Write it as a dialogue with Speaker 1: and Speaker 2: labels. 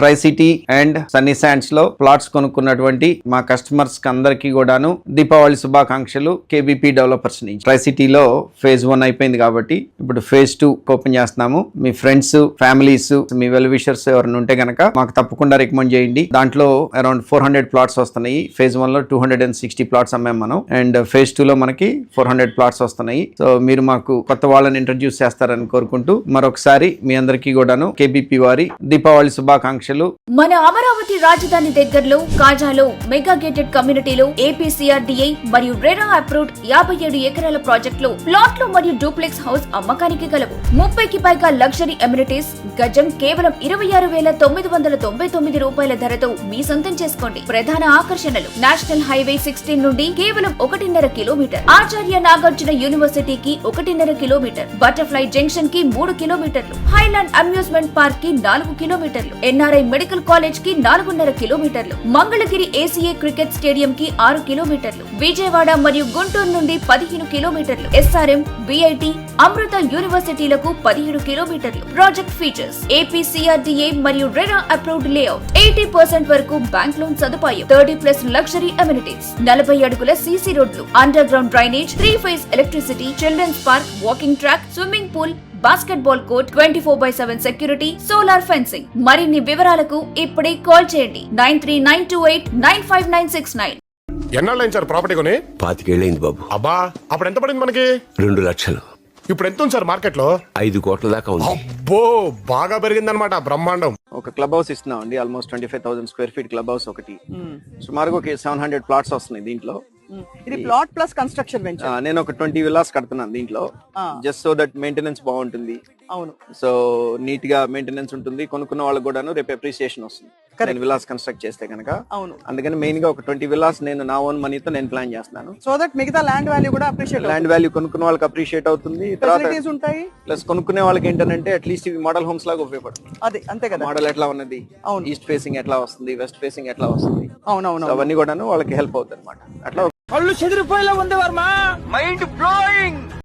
Speaker 1: Try city and sunny sands లో plots కొనుక్కున్నటువంటి మా కస్టమర్స్ కి అందరికీ కూడాను దీపావళి శుభాకాంక్షలు కేబీపీ డెవలపర్స్ నుంచి. ట్రై సిటీలో ఫేజ్ 1 అయిపోయింది కాబట్టి ఇప్పుడు ఫేజ్ 2 ఓపెన్ చేస్తున్నాము. మీ ఫ్రెండ్స్, ఫ్యామిలీస్, మీ వెల్ విషర్స్ ఎవరైనా ఉంటే గనక మాకు తప్పకుండా రికమెండ్ చేయండి. దాంట్లో అరౌండ్ 400 ప్లాట్స్ వస్తున్నాయి. ఫేజ్ 1 లో 260 ప్లాట్స్ అమ్మాం మనం, అండ్ ఫేజ్ 2 లో మనకి 400 ప్లాట్స్ వస్తున్నాయి. సో మీరు మాకు కొత్త వాళ్ళని ఇంట్రడ్యూస్ చేస్తారని కోరుకుంటూ మరొకసారి మీ అందరికీ కూడాను కేబీపీ వారి దీపావళి శుభాకాంక్షలు.
Speaker 2: మన అమరావతి రాజధాని దగ్గరలో కాజాలో మెగా గేటెడ్ కమ్యూనిటీలో ఏపీసీఆర్డీఐ మరియు రెరా అప్రూవ్డ్ 57 ఎకరాల ప్రాజెక్టులో ప్లాట్లు మరియు డూప్లెక్స్ హౌస్ అమ్మకానికి కలవు. 30కి పైగా లగ్జరీ ఎమ్యూనిటీస్, గజం కేవలం 26,999 రూపాయల ధరతో మీ సొంతం చేసుకోండి. ప్రధాన ఆకర్షణలు నేషనల్ హైవే 16 నుండి కేవలం 1.5 కిలోమీటర్, ఆచార్య నాగార్జున యూనివర్సిటీకి 1.5 కిలోమీటర్, బటర్ఫ్లై జంక్షన్ కి 3 కిలోమీటర్లు, హైలాండ్ అమ్యూజ్మెంట్ పార్క్ కి 4 కిలోమీటర్లు, ఎన్ఆర్ఐ మెడికల్ కాలేజ్ కి 4.5 కిలోమీటర్లు, మంగళగిరి ఏసీఏ క్రికెట్ స్టేడియం కి 6 కిలోమీటర్లు, విజయవాడ మరియు గుంటూరు నుండి 15 కిలోమీటర్లు, ఎస్ఆర్ఎం, బిఐటి, అమృత యూనివర్సిటీలకు 17 కిలోమీటర్లు. ప్రాజెక్ట్ ఫీచర్స్ ఏపీసీఆర్డీఏ మరియు రెరా అప్రూవ్డ్ లేఅవుట్, 80% వరకు బ్యాంక్ లోన్ సదుపాయం, 30+ లగ్జరీ అమ్యూనిటీస్, 40 అడుగుల సీసీ రోడ్లు, underground drainage, 3 phase electricity, children's park, walking track, swimming pool, basketball court, 24/7 security, solar fencing. మరిన్ని వివరాలకు ఇప్పుడే కాల్ చేయండి 9392895969.
Speaker 3: ఎన్నాళ్ళైంది సార్ ప్రాపర్టీ కొని?
Speaker 4: 25 ఏళ్ళైంది బాబు.
Speaker 3: అబ్బా, అప్పుడు ఎంత పడింది మనకి?
Speaker 4: 2 లక్షలు.
Speaker 3: ఇప్పుడు ఎంత ఉంది సార్ మార్కెట్ లో?
Speaker 4: 5 కోట్ల దాకా ఉంది.
Speaker 3: అబ్బో, బాగా పెరిగిందనమాట బ్రహ్మాండం.
Speaker 1: ఒక క్లబ్ హౌస్ ఇస్తున్నాం అండి, almost 25,000 square feet club house ఒకటి. సుమారుగా ఒక 700 ప్లాట్స్ వస్తున్నాయి దీంట్లో.
Speaker 5: ఇది ప్లాట్ ప్లస్ కన్స్ట్రక్షన్ వెంచర్.
Speaker 1: నేను ఒక 20 విల్లాస్ కడుతున్నాను దీంట్లో, జస్ట్ సో దట్ మెయింటెనెన్స్ బాగుంటుంది.
Speaker 5: అవును,
Speaker 1: సో నీట్ గా మెయింటెనెన్స్ ఉంటుంది, కొనుక్కున్న వాళ్ళకి కూడాను రేపు అప్రిసియేషన్ వస్తుంది నేను విల్లాస్ కన్స్ట్రక్ట్ చేస్తే కనుక.
Speaker 5: అవును,
Speaker 1: అందుకని మెయిన్ గా ఒక 20 విల్లాస్ నేను నా ఓన్ మనీతో నేను ప్లాన్ చేస్తున్నాను.
Speaker 5: సో దట్ మిగతా ల్యాండ్ వాల్యూ కూడా అప్రిషియేట్,
Speaker 1: ల్యాండ్ వాల్యూ కొనుక్కున్న వాళ్ళకి అప్రిషియేట్ అవుతుంది. తర్వాత
Speaker 5: ఉంటాయి,
Speaker 1: ప్లస్ కొనుక్కునే వాళ్ళకి ఏంటంటే అట్లీస్ట్ ఇవి మోడల్ హోమ్స్ లాగా ఉపయోగపడుతుంది.
Speaker 5: అదే అంతే కదా,
Speaker 1: మోడల్ ఎట్లా ఉన్నది,
Speaker 5: అవును,
Speaker 1: ఈస్ట్ ఫేసింగ్ ఎట్లా వస్తుంది, వెస్ట్ ఫేసింగ్ ఎట్లా వస్తుంది,
Speaker 5: అవునవును,
Speaker 1: అవన్నీ కూడాను వాళ్ళకి హెల్ప్ అవుతుంది అనమాట. అట్లా
Speaker 6: కళ్ళు చెదిరిపోయేలా ఉంది వర్మ, మైండ్ బ్లోయింగ్.